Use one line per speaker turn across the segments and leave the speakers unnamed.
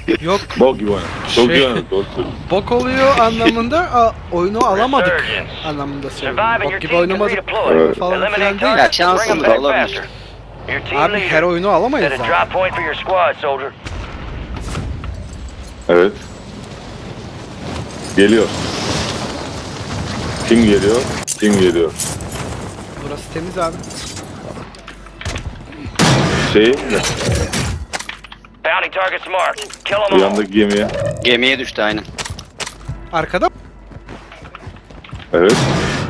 Yok,
Bok gibi oynadık. Çok
Şey-
iyi oynadık. Doğru söylüyorsun.
bok oluyor anlamında oyunu alamadık anlamında söylüyorum. Bok gibi oynamadık
Evet.
falan filan değil.
Ya şanssızlık olabilir.
Abi her oyunu alamayız
Set a
zaten.
drop point for your squad, soldier.
Evet. Geliyor. Kim geliyor? Kim geliyor?
Burası temiz abi.
Şey,
Bounty targets marked. Kill
bu
them all.
yandaki gemiye.
Gemiye düştü aynen.
Arkada
Evet.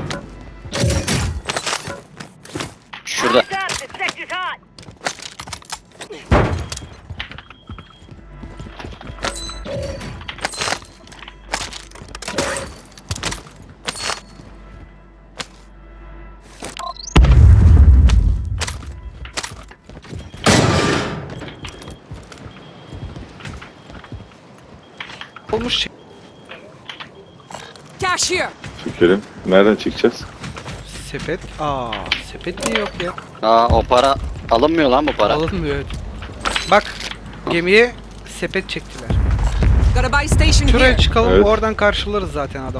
Şurada.
olmuş şey.
Cash here.
Çekelim. Nereden çekeceğiz?
Sepet. Sepet niye yok ya?
O para alınmıyor lan bu para.
Alınmıyor. Bak gemiye sepet çektiler.
Got a buy station
Şuraya
here.
çıkalım
Evet.
oradan karşılarız zaten adam.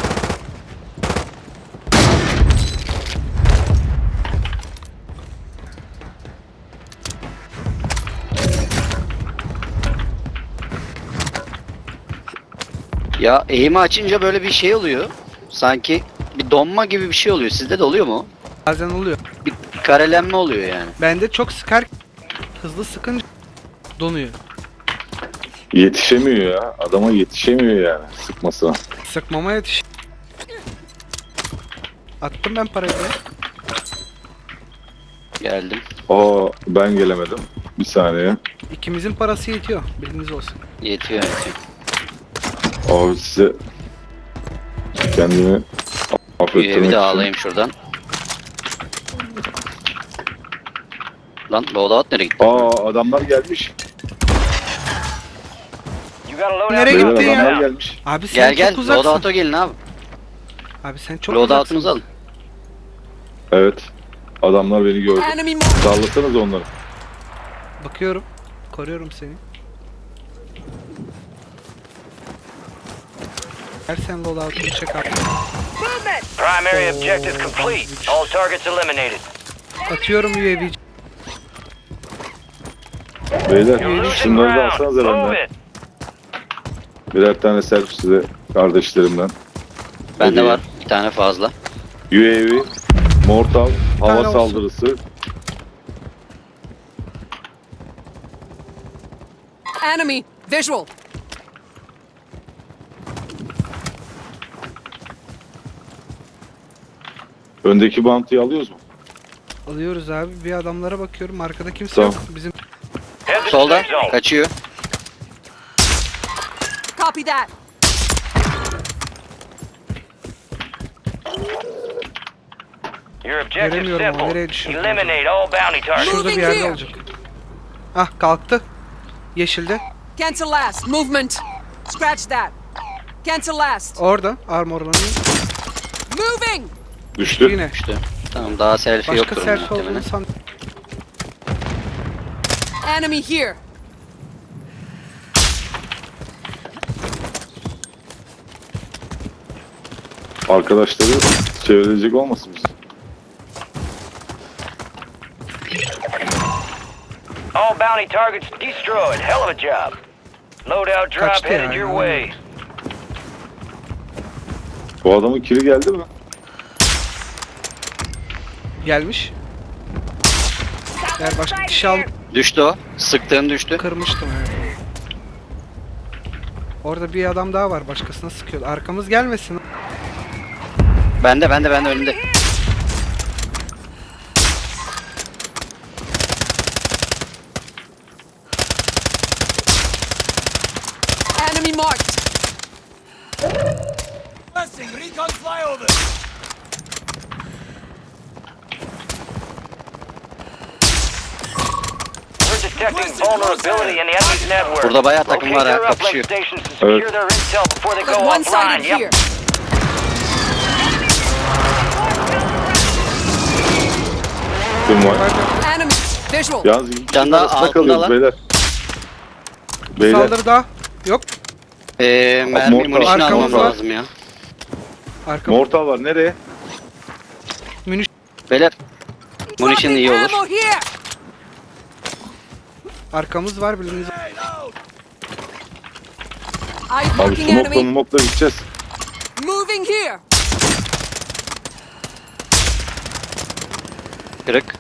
Ya eğimi açınca böyle bir şey oluyor. Sanki bir donma gibi bir şey oluyor. Sizde de oluyor mu?
Bazen oluyor.
Bir karelenme oluyor yani.
Bende çok sıkar hızlı sıkınca donuyor.
Yetişemiyor ya. Adama yetişemiyor yani sıkmasına.
Sıkmama yetiş. Attım ben parayı.
Geldim.
Ben gelemedim. Bir saniye.
İkimizin parası yetiyor. Bilginiz olsun.
Yetiyor yetiyor.
Abi size kendimi affettirmek
Üyevi de
için.
ağlayayım şuradan. Lan loadout nereye gitti?
Adamlar gelmiş.
You got a loadout.
Nereye
Beyler
gitti ya?
adamlar gelmiş.
Abi sen
Gel gel
çok uzaksın.
loadout'a gelin abi.
Abi sen çok
Loadout'unuzu
uzaksın.
alın.
Evet. Adamlar beni gördü.
Enemy marked.
Sallasanız onları.
Bakıyorum. Koruyorum seni. Gel sen loadout'unu çek abi.
Primary objective complete. All targets eliminated.
Atıyorum UAV.
Beyler
You're losing
şunları da
ground.
alsanıza
Move
benden.
it.
Birer tane selfie size kardeşlerimden.
Bende
Hediye.
var bir tane fazla.
UAV, mortal, hava
tane olsun.
saldırısı.
Enemy visual.
Öndeki bantıyı alıyoruz mu?
Alıyoruz abi. Bir adamlara bakıyorum. Arkada kimse
Tamam.
yok. Bizim
Head to the
Solda
safe zone.
kaçıyor.
Copy that.
Your objective
Göremiyorum ama
simple.
nereye düşürdüm
Eliminate all bounty targets.
şurada bir yerde olacak. Ah kalktı. Yeşilde.
Cancel last. Movement. Scratch that. Cancel last.
Orada armorlanıyor.
Moving.
Düştü.
Yine.
İşte. Tamam daha selfie
Başka
yoktur
selfie
muhtemelen.
olduğunu san.
Enemy here.
Arkadaşları çevirecek olmasın biz.
All bounty targets destroyed. Hell of a job. Loadout drop
Kaçtı
headed
ya,
your
yani.
way.
Bu adamın kili geldi mi?
Gelmiş. Eğer başka kişi al
Düştü o. Sıktığın düştü.
kırmıştım evet. Orada bir adam daha var. Başkasına sıkıyor. Arkamız gelmesin.
Bende önünde.
Enemy marked.
We're detecting vulnerability in the enemy's network.
Burada bayağı takım var
Locate
ha,
their uplink
kapışıyor.
stations to secure
Evet.
their intel before they go
Got one
offline.
sided here.
Yep.
Kim var?
Enemy visual.
Yalnız iki
Can
kişinin
daha
arasında
altında
kalıyoruz
lan.
beyler.
Bir
Beyler.
saldırı daha. Yok.
Mermi
Mortar.
munition almamız
Arkamız var.
lazım ya.
Arka.
Mortal var nereye?
Beyler. Munition iyi olur.
Ammo here!
Arkamız var bildiğiniz.
I'm
Abi
marking
smokla
enemy.
mumokla gideceğiz.
Moving here!
Kırık.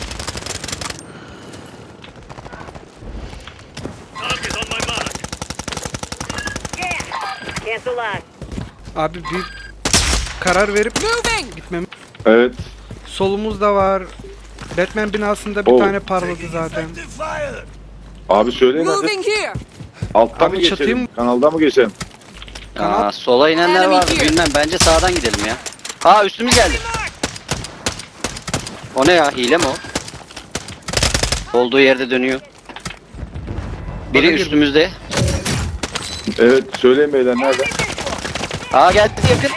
Cancel line.
Abi bir karar verip
Moving!
gitmem.
Evet.
Solumuz da var. Batman binasında bir
Oh.
tane parladı zaten.
Abi söyleyin hadi.
Moving here!
Alttan
Abi
mı
çatıyı
geçelim?
mı-
Kanaldan mı geçelim?
Kanal-
Sola inenler var. Bilmem. Bence sağdan gidelim ya. Aa üstümüz geldi. O ne ya? Hile mi o? Olduğu yerde dönüyor. Biri
Bana gir.
üstümüzde.
Evet söyleyin beyler nerede?
Aa geldi yakın.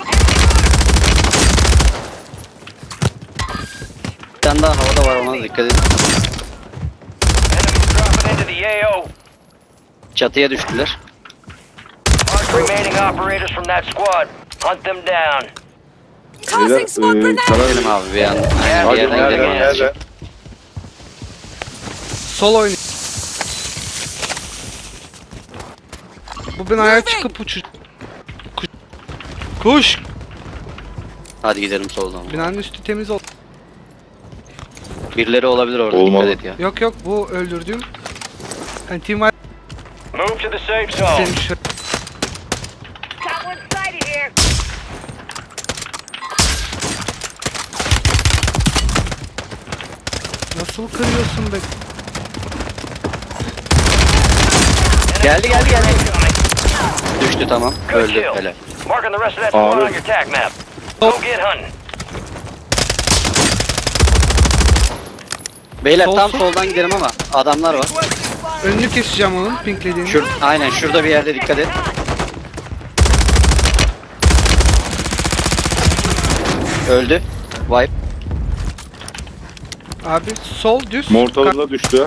Bir tane daha havada var, ona dikkat edin.
Enemies dropping into the AO.
Çatıya düştüler.
Mark remaining operators from that squad. Hunt them down.
Causing smoke
Beyler
grenade!
karar
Gidelim abi bir an. Aynen, bir
Hadi
yerden
nerede?
gidelim.
Nerede?
Sol oynuyor. Bu binaya çıkıp Kuş.
Hadi gidelim soldan.
Binanın üstü temiz ol.
Birileri olabilir orada,
Olmalı.
dikkat et ya.
Yok yok bu öldürdüğüm. Yani team var.
Move to the safe zone.
Senin şu-
Got one sighted here.
Nasıl kırıyorsun be?
Geldi. Düştü, tamam.
Good
Öldü.
kill.
Helal.
Marking the rest of that squad
Abi.
on your tac map. Go get hunting.
Beyler
Sol,
tam
sol.
soldan gidelim ama adamlar var.
Önünü keseceğim onun pinklediğini.
Aynen şurada bir yerde, dikkat et. Öldü. Wipe.
Abi sol düz.
Mortalı da düştü.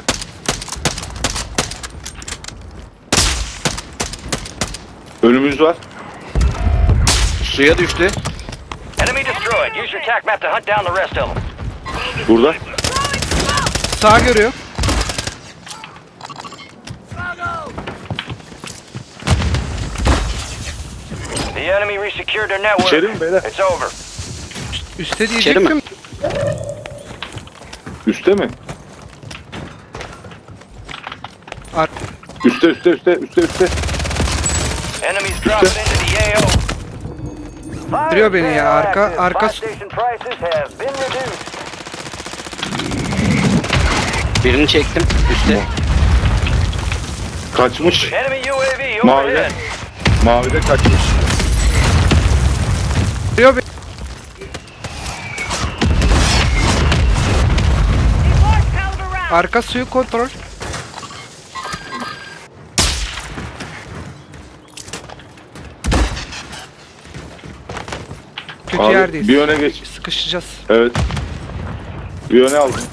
Önümüz var.
Suya düştü.
Enemy destroyed. Use your tac map to hunt down the rest of them.
Burada.
Sağ görüyor.
The enemy resecured their network.
İçeri mi beyler?
It's over.
Üste
İçeri mi?
diyecektim.
Üste mi?
Ar-
Üste.
Enemies dropping into the AO.
Görüyor beni ya, arka
Buy station prices have been reduced.
Birini çektim. Üstte.
Kaçmış.
Enemy UAV
Mavide.
overhead.
Mavide kaçmış.
Görüyor beni.
Need large caliber rounds.
Arka suyu kontrol. Kötü
Abi
yerdeyiz.
bir öne geç.
Sıkışacağız.
Evet. Bir öne aldım.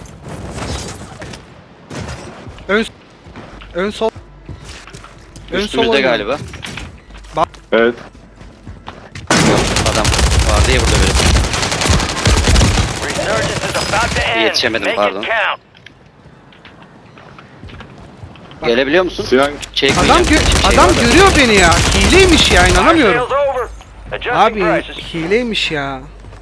Ön sol. Ön sol
Üstümüzde
oynuyor.
galiba.
Evet.
Yok, adam vardı ya burada biri.
Resurgence is about to end.
Yetişemedim,
Make
pardon.
it count.
Gelebiliyor musun?
Sinan
Çekmeyeceğim.
Adam,
Bir şey
adam
var da.
görüyor beni ya. Hileymiş ya, inanamıyorum.
Sales over. Adjusting
Abi
prices.
hileymiş ya.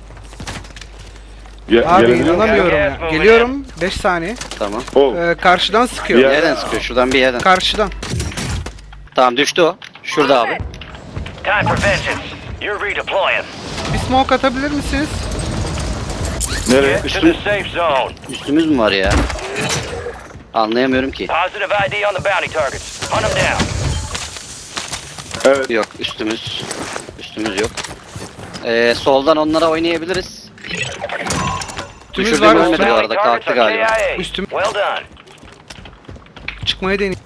ge
Abi
gelebiliyor musun?
inanamıyorum ya. Geliyorum 5 saniye.
Tamam.
Oh.
Karşıdan sıkıyor.
Ya.
Nereden sıkıyor? Şuradan bir yerden.
Karşıdan.
Tamam düştü o. Şurada abi.
Time for vengeance. You're redeploying.
Bir smoke atabilir misiniz?
Nereye?
Get to
Üstüm.
the safe zone.
Üstümüz mü var ya? Anlayamıyorum ki.
Positive ID on the bounty targets. Hunt them down.
Evet.
Yok üstümüz. Üstümüz yok. Soldan onlara oynayabiliriz.
Üstümüz
Düşürdüğüm
var.
ölmedi
Üstüme
bu arada, kalktı galiba.
Üstüm-
Well done.
çıkmayı deneyim.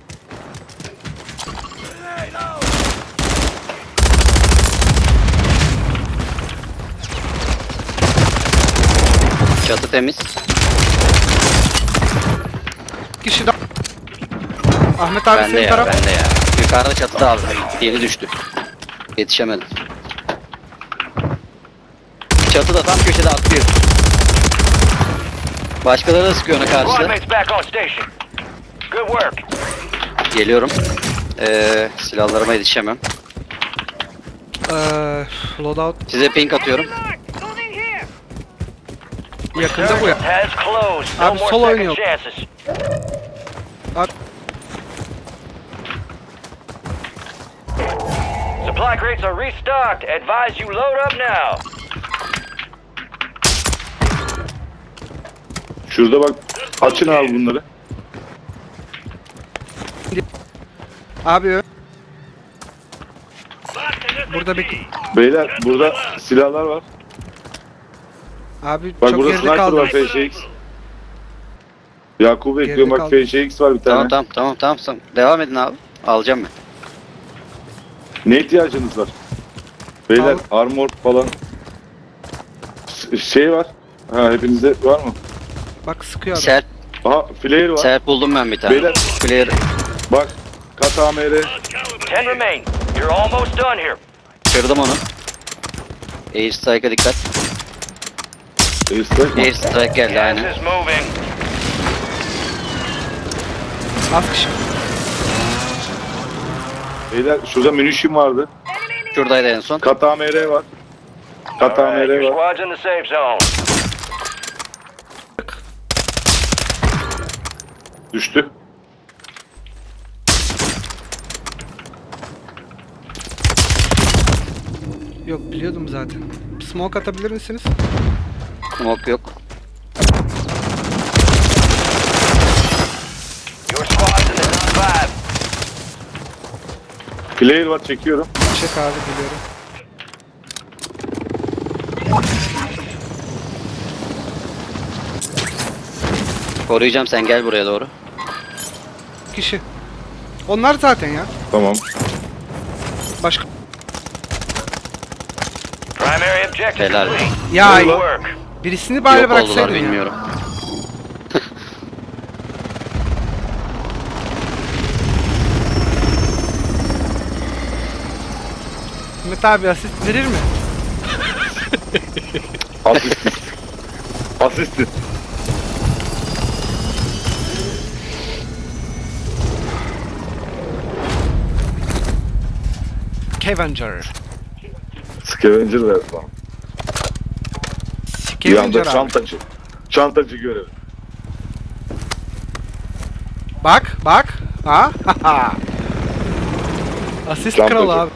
Çatı temiz.
Kişi daha. Ahmet abi
Bende
senin
ya,
taraf.
bende ya. Yukarıda çatıda abi. Yeni düştü. Yetişemedim. Çatıda tam köşede atlıyor. Başkaları da sıkıyor ona
Squad
karşı.
mates back on station. Good work.
Geliyorum. Silahlarıma yetişemem.
Loadout
Size ping atıyorum.
Mark, moving here.
yakında bu ya.
Has closed. No
Abi,
more
sol
second
oynuyor.
chances.
Bak
Supply crates are restocked. Advise you load up now.
Şurada bak. Açın abi bunları.
abi burada bir
Beyler burada silahlar var.
abi
Bak
çok
burada
geride
sniper
kaldım.
var FŞX. Yakup'u bekliyorum, bak
kaldım.
FŞX var bir tane.
Tamam. Devam edin abi. Alacağım ben.
Ne ihtiyacınız var? Beyler
Al.
armor falan. Şey var. Ha hepinizde var mı?
Bak sıkıyor abi.
Serp,
Aha flare var.
serp buldum ben bir tane.
Beyler.
Flare.
Bak kat AMR.
10 remain. You're almost done here.
Kırdım onu. Air Strike'a dikkat. Air Strike geldi
Gas
aynen.
is moving.
Az kişi.
Beyler şurada munition vardı.
Şuradaydı en son.
Kat AMR var. Kat
All right,
AMR
your
var.
squad's in the safe zone.
Düştü.
Yok biliyordum zaten. Smoke atabilir misiniz?
Smoke yok.
Your squad's in the top 5.
Flare var çekiyorum.
Çek abi biliyorum.
Koruyacağım, sen gel buraya doğru.
Kişi. Onlar zaten ya.
Tamam.
Başka.
Primary objective
Helal.
complete.
Ya
Good work.
birisini bari
Yok oldular
bıraksaydın ya.
bilmiyorum.
Ahmet abi asist verir mi?
Asist. Asist.
Scavenger.
Scavenger ver bana. Bir anda
Scavenger abi.
çantacı. Çantacı görevi.
Bak. Ha? Asist
Çantacı.
kralı abi.